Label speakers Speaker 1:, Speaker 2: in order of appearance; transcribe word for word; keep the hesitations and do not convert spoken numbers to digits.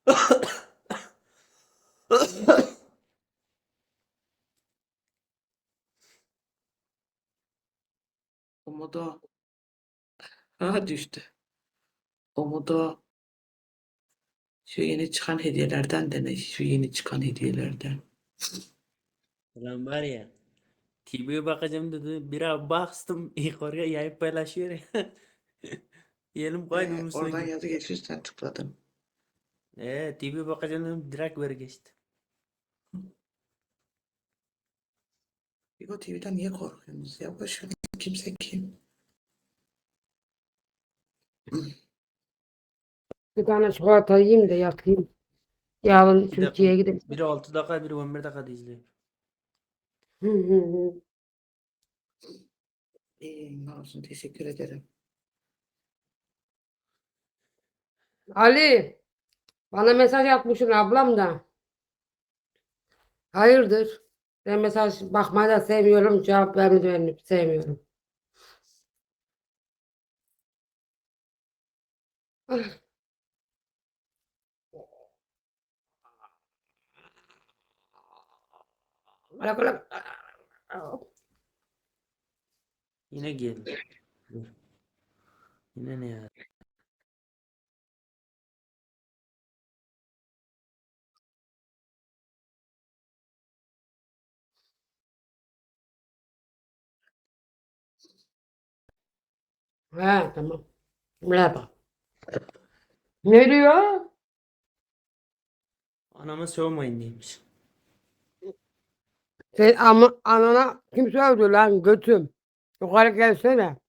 Speaker 1: Umudu. Ha düştü. Umudu. Şu yeni çıkan hediyelerden dene. Şu yeni çıkan hediyelerden.
Speaker 2: Ulan var ya. T V'ye bakacağım dedi. Bira bastım. Yukarıya yayıp paylaşıyor ya. Yelim kaydı
Speaker 1: Ee,
Speaker 2: onun
Speaker 1: oradan
Speaker 2: sanki.
Speaker 1: yazı geçiyor sen tıkladın.
Speaker 2: Eee T V'ye bakacağım dedim. Direkt ver geçti.
Speaker 1: Bigo T V'den niye korkuyorsunuz ya? Boş verin. Kimse kim?
Speaker 3: Bir tane çikolata yiyeyim de yatayım. Yarın
Speaker 2: Bir dakika.
Speaker 3: Türkiye'ye gideyim.
Speaker 2: Biri altı dakika, biri on bir dakikada izliyor.
Speaker 3: Hı hı hı.
Speaker 1: İyi, ne olsun, teşekkür ederim.
Speaker 3: Ali, bana mesaj atmışsın ablam da. Hayırdır? Ben mesaj bakmayı da sevmiyorum, cevap vermeyi de sevmiyorum. Ah, bırak, bırak.
Speaker 2: Yine geldi. Dur. Yine ne ya?
Speaker 3: He, tamam. Merhaba. Ne diyor?
Speaker 2: Anama sormayın demiş.
Speaker 3: Sen ama anana kim sövdü lan götüm? Yukarı gelsene.